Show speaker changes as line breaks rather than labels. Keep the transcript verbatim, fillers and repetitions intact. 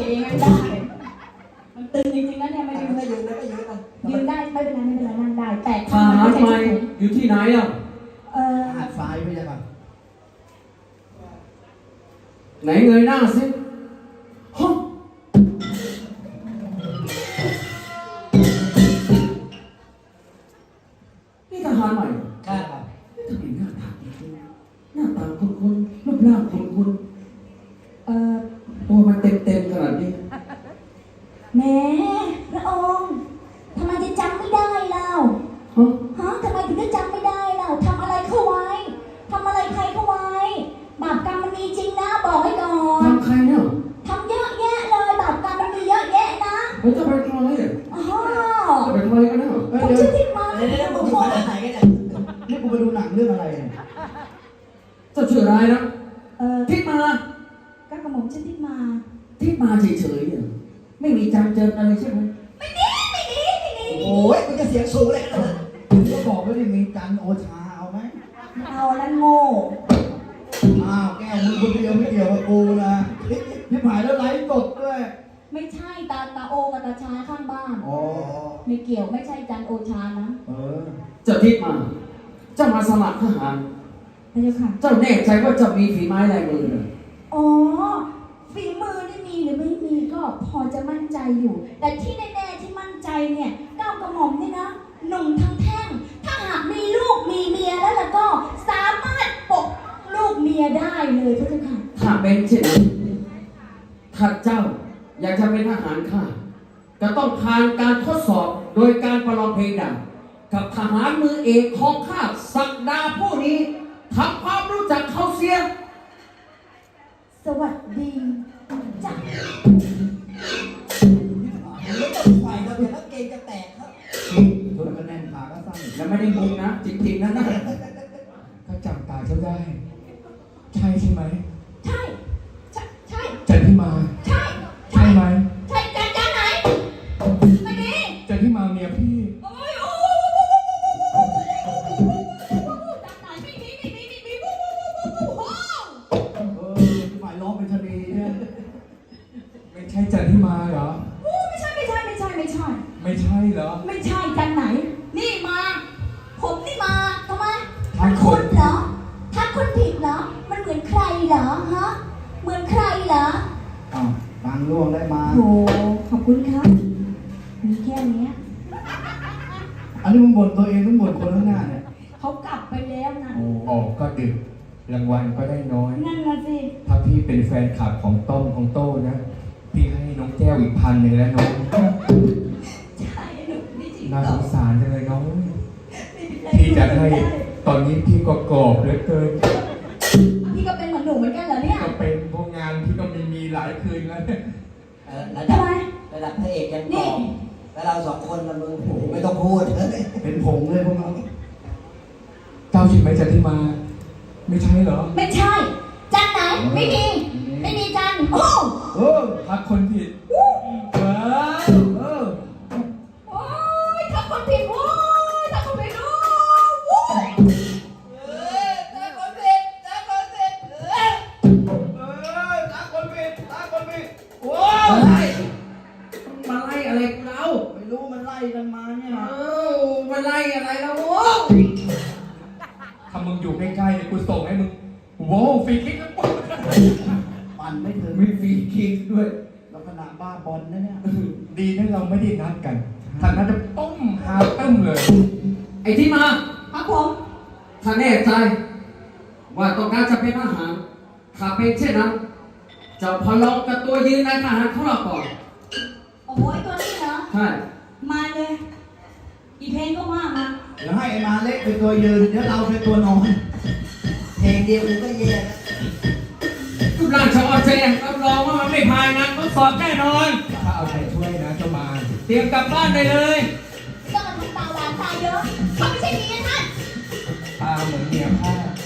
เองไม่ได้มันตึงจริงๆนะเนี่ยไม่ยืนเลย
ยืนได้ก็ยืนอ่ะ
ยืนได้ไม่เป็นไรไม่เป็นไรนั่งได้แต่
ทหารใหม่อยู่ที่ไหนอ่ะ
เออ
หาดทรายไม่ใช่ป่ะ
ไหนเงยหน้าสิฮะนี่ทหารใหม่
ใช่ครับ
ทำไมหน้าตาคุ้นๆหน้าตาคุ้นๆรูปร่างคุ้น
เออ
ๆตัวมันเต็มๆขนาดนี้
แหม่พระองค์ทำไมจะจำไม่ได้เล่า
ฮะ
ฮะทำไมถึงจะจำไม่ได้เล่าทำอะไรเข้าไว้ทำอะไรใครเข้าไว้บาปกรรมมันมีจริงนะบอกไว้ก่อน
ทำใครเนี่ย
ทำเยอะแยะเลยบาปกรรมมันมีเยอะแยะนะ
ผมจะไปทำไมเนี่ย
อ๋อ
จะไปทำอะไรกันเนี่ย
ผมชื่อทิพมา
เดี๋ยวเดี๋ยวมึงอยู่คณะไหนกันเนี่ยนี่กูไปดูหนังเรื่องอะไรเนี่ย
เจ้าชื่ออะไรนะ
เออ
ทิพมา
ก็กระหม่อมชื่อทิพมา
ทิพมาเฉยๆเนี่ยไม่มีจำเจออะไรใช่ไหม
ไม่ดีไม่ดีไม่ดี
โอ้ยมึงจะเสียงสูงเลยนะมึงก็บอกว่ามีจันโอชาเอาไหม
เอาแล้วโง่
อ้าวแก้วมึงคนเดียวไม่เกี่ยวกับกูนะพี่ผายแล้วไลฟ์สดด้วย
ไม่ใช่ตาตาโอกับตาชาข้างบ้าน
อ๋อ
ไม่เกี่ยวไม่ใช่จันโอชานะ
เออ
เจ้าทิพมา เจ้ามาสมัครทหาร
พระเจ้าค่ะ
เจ้าแน่ใจว่าเจ้ามีฝีไม้ลายมือเนี่ย
อ๋อฝีมือนี่มีหรือไม่มีก็พอจะมั่นใจอยู่ แต่ที่แน่ๆที่มั่นใจเนี่ยเก้ากระหม่อมเนี่ยนะหนุ่มทั้งแท่งถ้าหากมีลูกมีเมียแล้วล่ะก็สามารถปกลูกเมียได้เลยพระเจ้าค่ะ
ถ้าเป็นเช่นนั้นถ้าเจ้าอยากจะเป็นทหารข้าก็ต้องผ่านการทดสอบโดยการประลองเพลงดังกับทหารมือเอกของข้าศักดาผู้นี้ทำความรู้จักเขาเสีย
สวัสดีจ้ะ
ไม่ต้องไฟเราเดี๋ยวแล้วเกงจะแตกครับตัวก็แน่นขาก็สั้น
แล้วไม่ได้มุงนะจริงๆนะนะ
ถ้าจำตาเจ้าได้ ใช่ใช่ไหม
ใช่ใช่ใช่
จันทิมา
ใช่
ใช่ไหม
ใช่จันจันไหนไม่ดี
จันทิมาเมียพี่
โอ้ยโอ้จันไหนไม่มีไม่มีไม่มีวู้วู้วู้วู้วู้
เออพี่ผายร้องเป็นชะนีเนี่ย
ไม่ใช่จันทิมาเหรอ
วู้ไม่ใช่ไม่ใช่ไม่ใช่ไม่ใช่
ไม่ใช่เหรอ
ไม่ใช่จันไหน นี่มา ผมนี่มาทำไม
ทักคน
เหรอทักคนผิดเหรอมันเหมือนใครเหรอฮะเหมือนใครเหรอ
อ้าวตังล่วงได้มา
โหขอบคุณครับมีแค่เนี้ย
อันนี้มึงบ่นตัวเองมึงบ่นคนข้างหน้าเนี่ย
เขากลับไปแล้วนะ
โอ้ออกก็ดึก รางวัลก็ได้น้อย
นั่นน่ะสิ
ถ้าพี่เป็นแฟนคลับของต้อมของโต้นะ พี่ให้น้องแก้วอีกพันหนึ่งแล้วน้อง
ใช่หนูนี่จริง
น่า
เหร
ส
อง
สารจังเลยน้อง
ไม่เป็นไร
พี่จะให้ ตอนนี้พี่ก็กรอบเหลือเกิน
พี่ก็เป็นเหมือนหนูเหมือนกันเหรอเนี่ย
ก็เป็นพวกงานพี่ก็มีมีหลายคืนแล้วเนี่ย
เออระ
ทำ
ดับ
ไม
ระดับพระเอกยังก
นี่
องแล้วเราสองคนละมึงโอ้โหไม่ต้องพูดเป็นผงเลยพวกเรา
เจ้าใช่ไหมจันทิมา ไม่ใช่เหรอ
ไม่ใช่ จันไหน ไม่มี ไม่มีจันโอ้
เออทักคนผิดว้าวเออ
โอ้ยทักคนผิดโอ้ยทักคนผิดโอ้ย
เออตาคนผิดตาคนผิดเออเออตาคนผิดตาคนผิดโอ้
อะไร
ย
มาไล่อะไรกูเรา
ไม่รู้มันไล่กันมาเนี่ย
เอ้
นะ
ามาไล่อะไรเราโว้
ถ้ามึงอยู่ใกล้ๆเนี่ยกูส่งให้มึงโว้วฟรีคิกแล้วปุ๊บ
ปั่นไม่ถึง
มีฟรีคิกด้วย
ลักษณะบ้าบอลนะเนี่ย
ดีนะเราไม่ได้นัดกันถ้านัดจะต้มหาตึ้มเลย
ไอ้ที่มา
ครับผม
ถ้าแน่ใจ ว่าต้องการจะเป็นทหารถ้าเป็นเช่นนั้นเจะพอลองกับตัวยืนในทหารของเราก่อน
โอ้โหไอ้ตัวนี้เหรอ
ใช่
มาเลย อีเพลงก็ว่ามา
เดี๋ยวให้ไอ้มาเล็กเป็นตัวยืนเดี๋ยวเราเป็นตัวนอนเพลงเดียวกูก็แย่แล้ว
รูปร่างชาวเจนรับรองว่ามันไม่ผ่านงานทดสอบแน่นอน
ถ้าเอาใจช่วยนะเจ้ามา
เตรียมกลับบ้านได้เลย
ต้องมาทำตาหวานตาเยอะเขาไม่ใช่เมียท่าน
ตาเหมือนเมียข้า